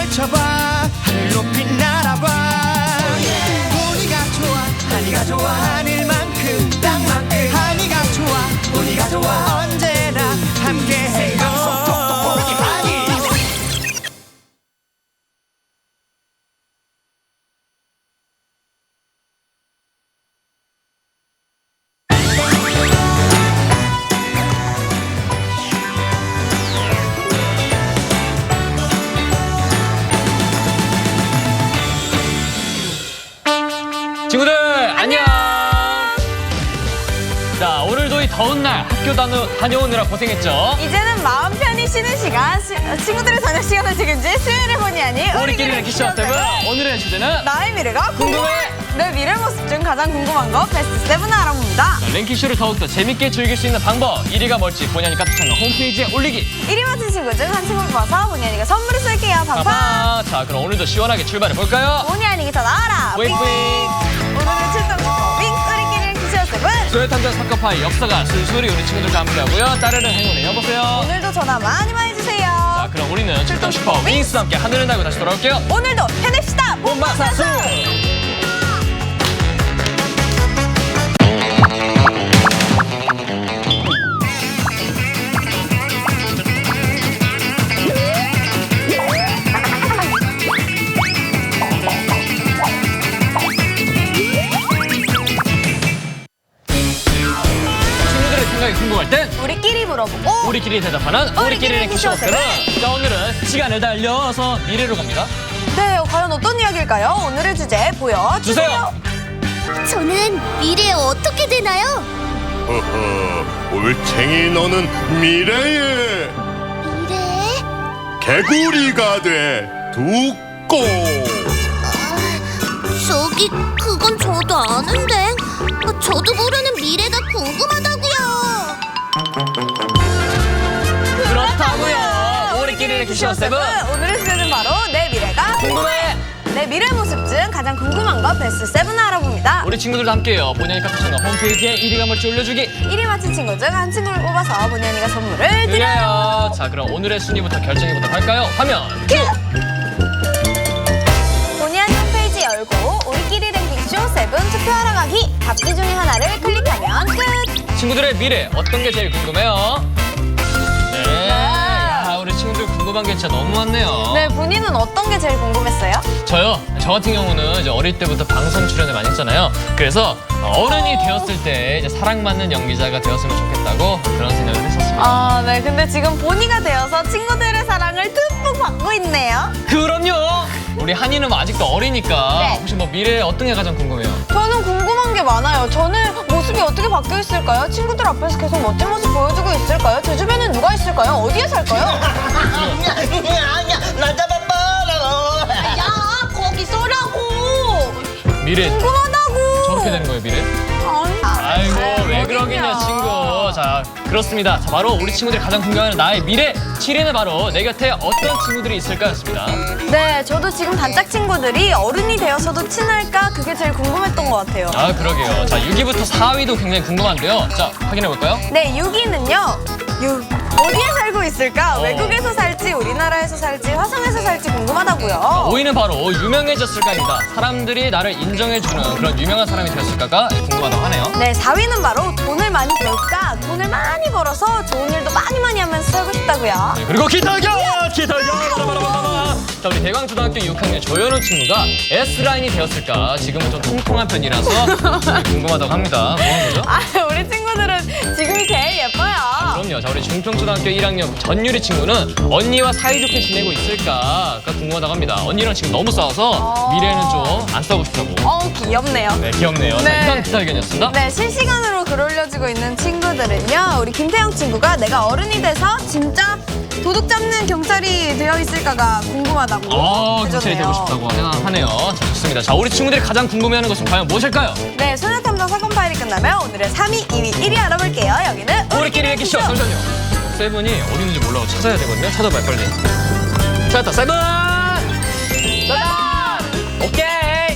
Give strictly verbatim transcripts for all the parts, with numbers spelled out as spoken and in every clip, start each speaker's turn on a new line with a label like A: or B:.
A: 펼쳐봐 하늘 높이 날아봐 보니가 좋아 하니가 좋아 하늘만큼 땅만큼 하니가 좋아 보니가 좋아 언제나 함께해요 보니 하니
B: 친구들 안녕. 자, 오늘도 이 더운 날 학교 다녀, 다녀오느라 고생했죠.
C: 이제는 마음 편히 쉬는 시간, 시, 친구들의 저녁 시간을 책임질 수요일에 보니 아니
B: 우리끼리는 키쇼 세븐. 오늘의 주제는
C: 나의 미래가 궁금해.
B: 궁금해.
C: 내 미래 모습 중 가장 궁금한 거 베스트 세븐을 알아봅니다.
B: 랭킹쇼를 더욱더 재밌게 즐길 수 있는 방법, 일 위가 뭘지 본의 아니 카톡 채널 홈페이지에 올리기.
C: 일 위 맞힌 친구 중 한 친구를 뽑아서 본의 아니가 선물을 쏠게요. 팡팡.
B: 팡팡. 자, 그럼 오늘도 시원하게 출발해볼까요?
C: 본의 아니게 더 나와라.
B: 뿌잉뿌잉.
C: 오늘은 출동 윙 우리끼리는 키쇼 세븐.
B: 소요탐정 사건파의 역사가 술술이 우리 친구들과 함께하고요. 따르릉 행운을 이어보세요.
C: 오늘도 전화 많이 많이 주세요.
B: 자, 그럼 우리는 출동 슈퍼 윙스와 함께 하늘을 날고 다시 돌아올게요.
C: 오늘도 해냅시다.
B: 본방사수. 친구들의 생각이 궁금할 땐
C: 우리끼리 물어보고
B: 우리끼리 대답하는 우리끼리는 키쇼 세븐. 자, 오늘은 시간을 달려서 미래로 갑니다.
C: 네, 과연 어떤 이야기일까요? 오늘의 주제 보여주세요.
B: 주세요.
D: 저는 미래에 어떻게 되나요?
E: 허허, 올챙이 너는 미래에
D: 미래?
E: 개구리가 돼 두꼬.
D: 저기 그건 저도 아는데 저도 모르는 미래가 궁금하다고요.
B: 그렇다고요. 우리끼리는 키쇼 세븐.
C: 오늘의 주제는 바로 내 미래가
B: 궁금해.
C: 내 미래 모습 중 가장 궁금한 거 베스트 세븐을 알아봅니다.
B: 우리 친구들도 함께해요. 본의 아니 카톡 채널 홈페이지에 일 위가 뭘지 올려주기.
C: 일 위 맞힌 친구 중 한 친구를 뽑아서 본의 아니가 선물을 드려요.
B: 드려요. 자, 그럼 오늘의 순위부터 결정해보도록 할까요? 화면 큐.
C: 본의 아니 홈페이지 열고 우리끼리 랭킹쇼 세븐 투표하러 가기. 답지 중에 하나를 클릭하면 끝.
B: 친구들의 미래 어떤 게 제일 궁금해요? 네. 야, 우리 친구들 궁금한 게 진짜 너무 많네요.
C: 네, 본인은 어떤 게 제일 궁금했어요?
B: 저요? 저 같은 경우는 이제 어릴 때부터 방송 출연을 많이 했잖아요. 그래서 어른이 되었을 때 이제 사랑받는 연기자가 되었으면 좋겠다고 그런 생각을 했었습니다.
C: 아, 네. 근데 지금 본이가 되어서 친구들의 사랑을 듬뿍 받고 있네요.
B: 그럼요. 우리 한이는 뭐 아직도 어리니까
C: 네.
B: 혹시 뭐 미래에 어떤 게 가장 궁금해요?
C: 저는 궁금한 게 많아요. 저는 모습이 어떻게 바뀌어 있을까요? 친구들 앞에서 계속 멋진 모습 보여주고 있을까요? 제 주변엔 누가 있을까요? 어디에 살까요?
F: 아니야, 나 잡아봐라.
C: 야, 거기 쏘라고.
B: 미래
C: 궁금하다고.
B: 저렇게 되는 거예요, 미래?
C: 아니,
B: 아이고,
C: 아유,
B: 왜
C: 어딨냐.
B: 그러겠냐, 친구. 자, 그렇습니다. 자, 바로 우리 친구들이 가장 궁금해하는 나의 미래 칠 위는 바로 내 곁에 어떤 친구들이 있을까였습니다.
C: 네, 저도 지금 단짝 친구들이 어른이 되어서도 친할까? 그게 제일 궁금했던 것 같아요.
B: 아, 그러게요. 자, 육 위부터 사 위도 굉장히 궁금한데요. 자, 확인해볼까요?
C: 네, 육 위는요. 육. 어디에 살고 있을까?
B: 어.
C: 외국에서 살지, 우리나라에서 살지, 화성에서 살지 궁금하다고요.
B: 오 위는 바로 유명해졌을까입니다. 사람들이 나를 인정해주는 그런 유명한 사람이 되었을까가 궁금하다고 하네요.
C: 네, 사 위는 바로 돈을 많이 벌까? 돈을 많이 벌어서 좋은 일도 많이 많이 하면서 살고 싶다고요.
B: 네, 그리고 기타격! 기타격! 바라바라바라. 자, 우리 대광초등학교 육 학년 조현우 친구가 S라인이 되었을까? 지금은 좀 통통한 편이라서 궁금하다고 합니다. 뭐한 거죠?
C: 아, 우리 친구들은 지금이 제일 예뻐요.
B: 그럼요. 자, 우리 중평초등학교 일 학년 전유리 친구는 언니와 사이좋게 지내고 있을까가 궁금하다고 합니다. 언니랑 지금 너무 싸워서 미래는 좀 안 싸우고 싶다고.
C: 어우, 귀엽네요.
B: 네, 귀엽네요. 자,
C: 네.
B: 이상 기타 의견이었습니다.
C: 네, 실시간으로 글 올려주고 있는 친구들은요. 우리 김태형 친구가 내가 어른이 돼서 진짜 도둑 잡는 경찰이 되어 있을까가 궁금하다고
B: 어, 경찰이
C: 해줬네요.
B: 되고 싶다고 하네요. 자, 좋습니다. 자, 우리 친구들이 가장 궁금해하는 것은 과연 무엇일까요?
C: 네, 소녀탐정 사건 파일이 끝나면 오늘의 삼 위, 이 위, 일 위 알아볼게요. 여기는
B: 우리끼리 얘기쇼. 잠시만요. 세븐이 어디 있는지 몰라고 찾아야 되거든요. 찾아봐요, 빨리. 찾았다, 세븐! 찾았다! 오케이!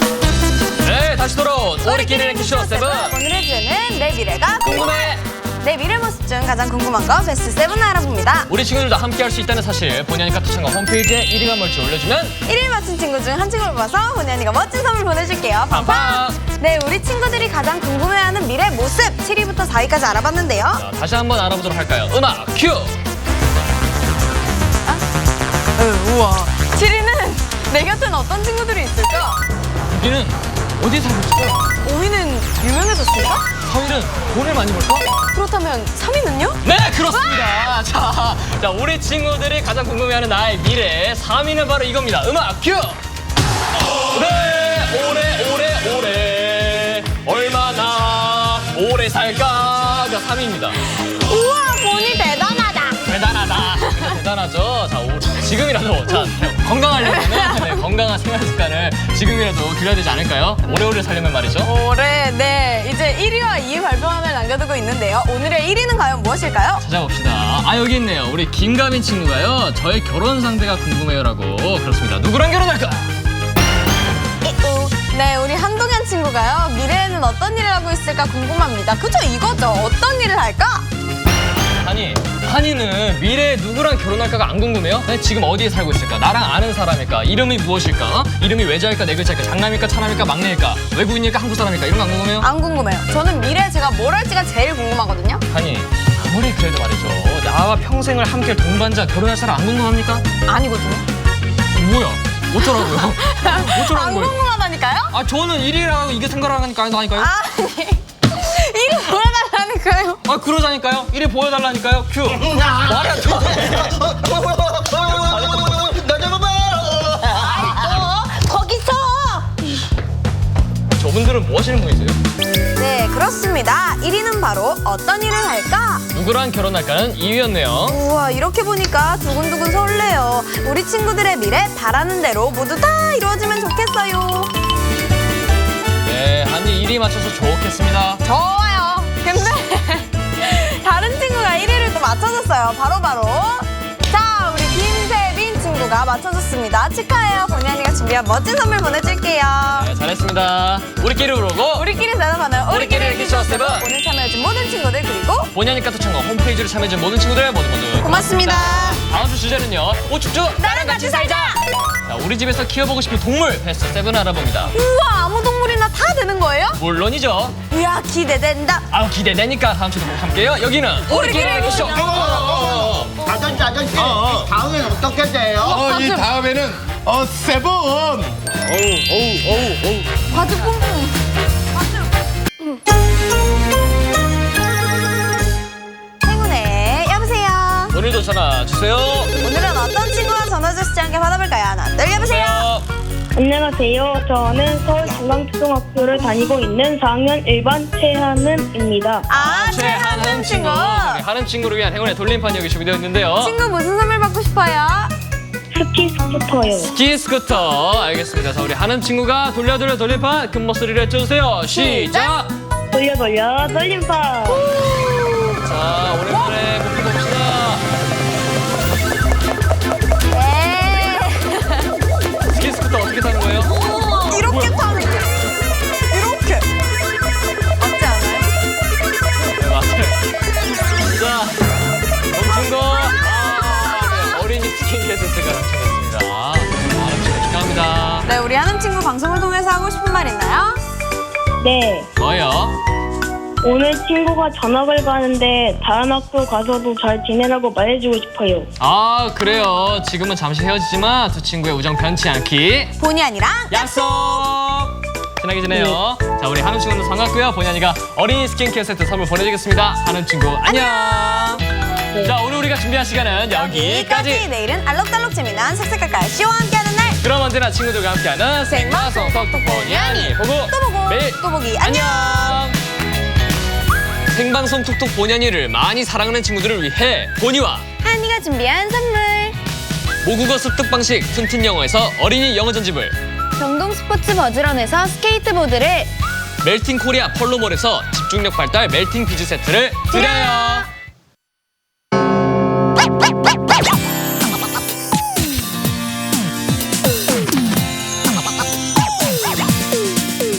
B: 네, 다시 돌아온 우리끼리 얘기쇼 세븐.
C: 오늘의 주제는 내 미래가
B: 궁금해.
C: 내 친구들의 미래 모습 중 가장 궁금한 거 베스트 세븐을 알아봅니다.
B: 우리 친구들도 함께 할 수 있다는 사실 본의 아니까 투창과 홈페이지에 일 위가 뭘지 올려주면
C: 일 위 맞힌 친구 중 한 친구를 뽑아서 본의 아니가 멋진 선물 보내줄게요. 팡팡!
B: 팡팡!
C: 네, 우리 친구들이 가장 궁금해하는 미래 모습 칠 위부터 사 위까지 알아봤는데요.
B: 자, 다시 한번 알아보도록 할까요? 음악 큐!
C: 우와. 칠 위는 내 곁에는 어떤 친구들이 있을까?
B: 육 위는 어디에 살고 있을까요?
C: 오 위는 유명해졌을까?
B: 사 위는 돈을 많이 벌까?
C: 그렇다면 삼 위는요?
B: 네, 그렇습니다. 자, 자, 우리 친구들이 가장 궁금해하는 나의 미래 삼 위는 바로 이겁니다. 음악 큐! 오래, 오래, 오래, 오래 얼마나 오래 살까가 삼 위입니다.
C: 우와, 본이 대단하다.
B: 대단하다. 대단하죠. 자, 오, 지금이라도 자 건강하려면 네, 건강한 생활 습관을 지금이라도 들여야 되지 않을까요? 오래오래 살려면 말이죠.
C: 올해 네 이제 일 위와 이 위 발표함을 남겨두고 있는데요. 오늘의 일 위는 과연 무엇일까요?
B: 찾아봅시다. 아, 여기 있네요. 우리 김가민 친구가요. 저의 결혼 상대가 궁금해요라고. 그렇습니다. 누구랑 결혼할까?
C: 네, 우리 한동현 친구가요. 미래에는 어떤 일을 하고 있을까 궁금합니다. 그죠, 이거죠. 어떤 일을 할까?
B: 아니, 한이는 미래에 누구랑 결혼할까가 안 궁금해요? 네, 지금 어디에 살고 있을까? 나랑 아는 사람일까? 이름이 무엇일까? 어? 이름이 외자일까? 네 글자일까? 장남일까? 차남일까? 막내일까? 외국인일까? 한국 사람일까? 이런 거 안 궁금해요?
C: 안 궁금해요. 저는 미래에 제가 뭘 할지가 제일 궁금하거든요.
B: 아니, 아무리 그래도 말이죠. 나와 평생을 함께 할 동반자 결혼할 사람 안 궁금합니까?
C: 아니거든요.
B: 뭐야? 어쩌라고요? 어쩌라는
C: 안
B: 거예요?
C: 궁금하다니까요?
B: 아, 저는 일 위라고 이게 생각하니까 아니까요?
C: 아니, 일이 보여달라니까요.
B: 아, 그러자니까요. 일 위 보여달라니까요. 큐. 말이 안 통하네.
F: 나 잡아봐.
C: 어, 거기서.
B: 저분들은 뭐 하시는 분이세요?
C: 네, 그렇습니다. 일 위는 바로 어떤 일을 할까?
B: 누구랑 결혼할까는 이 위였네요.
C: 우와, 이렇게 보니까 두근두근 설레요. 우리 친구들의 미래 바라는 대로 모두 다 이루어지면 좋겠어요.
B: 네, 한이 일 위 맞춰서 좋겠습니다.
C: 좋아요. 근데 다른 친구가 일 위를 또 맞춰줬어요. 바로바로. 자, 우리 김세빈 친구가 맞춰줬습니다. 축하해요. 본의 아니가 준비한 멋진 선물 보내줄게요.
B: 네, 잘했습니다. 우리끼리 부르고
C: 우리끼리 대답하는
B: 우리끼리 이렇게 쇼 세븐.
C: 오늘 참여해준 모든 친구들 그리고
B: 본의 아니까 투창과 홈페이지로 참여해준 모든 친구들 모두 모두
C: 고맙습니다.
B: 다음 주 주제는요. 오축주
C: 나랑 같이 살자.
B: 자, 우리 집에서 키워보고 싶은 동물 베스트 세븐 알아봅니다.
C: 우와, 아무 동물이나 다 되는 거예요?
B: 물론이죠.
C: 이야, 기대된다.
B: 아우, 기대되니까 다음 주도 꼭 함께요. 여기는
C: 우리끼리
B: 이렇게 쇼.
F: 아저씨 아저씨 다음엔 어떻게 돼요?
E: 어, 이 다음에는 어 세븐.
B: 어우, 어우, 어우, 어우.
C: 바지 뿡뿡. 바지. 응. 행운의 여보세요.
B: 오늘도 전화 주세요.
C: 오늘은 어떤 친구가 전화 주시지 않게 받아볼까요? 하나, 둘, 여보세요.
G: 안녕하세요. 저는 서울중앙초등학교를 다니고 있는 사 학년 일 반 최하은입니다.
C: 아,
B: 최한은
C: 최한은
B: 친구.
C: 친구.
B: 우리 한은 친구를 위한 행운의 돌림판 여기 준비되어 있는데요.
C: 친구 무슨 선물 받고 싶어요?
G: 스키 스쿠터요.
B: 스키 스쿠터. 알겠습니다. 자, 우리 한은 친구가 돌려 돌려 돌림판 큰 목소리를 해주세요. 시작.
G: 돌려 돌려 돌림판.
B: 자, 오랜만에 복귀 봅시다.
C: 네.
B: 스키 스쿠터 어떻게 타는 거예요?
C: 이렇게 타는 거. 이렇게. 맞지 않아요?
B: 네, 맞아요. 자, 멈춘 거. 아, 네, 어린이 스킨 게스트가 당첨됐습니다. 아, 축하합니다.
C: 네, 우리 하는 친구 방송을 통해서 하고 싶은 말 있나요?
G: 네.
B: 뭐예요?
G: 오늘 친구가 전학을 가는데 다른 학교 가서도 잘 지내라고 말해주고 싶어요.
B: 아, 그래요. 지금은 잠시 헤어지지만 두 친구의 우정 변치 않기
C: 본의 아니라
B: 약속! 친하게 지내요. 자, 우리 한음 친구는 반갑고요. 본의 아니가 어린이 스킨케어 세트 선물 보내드리겠습니다. 한음 친구 안녕! 자, 오늘 우리가 준비한 시간은 여기까지!
C: 내일은 알록달록 재미난 색색깔깔 쇼와 함께하는 날.
B: 그럼 언제나 친구들과 함께하는 생방송 톡톡 본의 아니 보고
C: 또 보고
B: 매일
C: 또 보기 안녕.
B: 생방송 톡톡 본의 아니를 많이 사랑하는 친구들을 위해 본이와
C: 한이가 준비한 선물.
B: 모국어 습득 방식 튼튼 영어에서 어린이 영어 전집을,
C: 경동 스포츠 버즈런에서 스케이트보드를,
B: 멜팅 코리아 펄로몰에서 집중력 발달 멜팅 비즈 세트를 드려요.